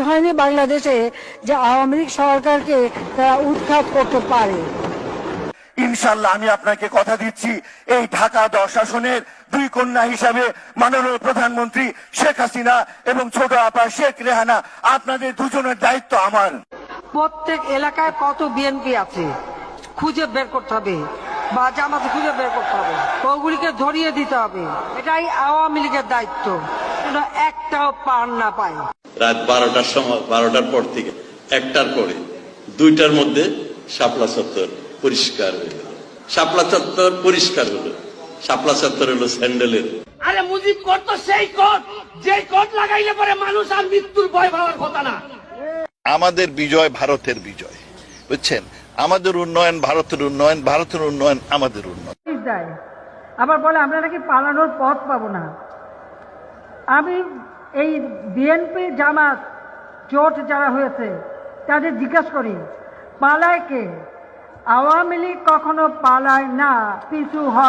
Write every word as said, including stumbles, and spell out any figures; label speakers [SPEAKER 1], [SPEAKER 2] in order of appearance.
[SPEAKER 1] হয়নি বাংলাদেশে যে আওয়ামী লীগ সরকারকে তারা উৎখাত করতে পারে।
[SPEAKER 2] ইনশাল্লাহ আমি আপনাকে কথা দিচ্ছি, এই ঢাকা দশ আসনের দুই কন্যা হিসাবে মাননীয় প্রধানমন্ত্রী শেখ হাসিনা এবং ছোট আপা শেখ রেহানা, আপনাদের দুজনের দায়িত্ব আমার।
[SPEAKER 1] প্রত্যেক এলাকায় কত বিএনপি আছে খুঁজে বের করতে হবে, বা জামাতে খুঁজে বের করতে হবে, ওগুলিকে ধরিয়ে দিতে হবে। এটাই আওয়ামী লীগের দায়িত্ব, যেন একটাও পার না পায়।
[SPEAKER 3] রাত বারোটার সময়, বারোটার পর থেকে একটার পরে দুইটার মধ্যে শাপলা চত্বর পরিষ্কার হয়ে গেল। শাপলা চত্বর পরিষ্কার হলো। শাপলা চত্বর হলো স্যান্ডেলের।
[SPEAKER 4] আরে মুজিব করতো সেই কোট, যে কোট লাগাইলে পরে মানুষ আর মৃত্যুর ভয় পাওয়ার কথা না।
[SPEAKER 5] আমাদের বিজয় ভারতের বিজয়, বুঝছেন? আমাদের উন্নয়ন ভারতের উন্নয়ন, ভারতের উন্নয়ন আমাদের উন্নয়ন।
[SPEAKER 1] আবার বলে আমরা নাকি পালানোর পথ পাবো না। আমি এই বিএনপি জামাত জোট যারা হয়েছে তাদের জিজ্ঞাসা করি, পালায় কে? আওয়ামী লীগ কখনো পালায় না, পিছু হয়।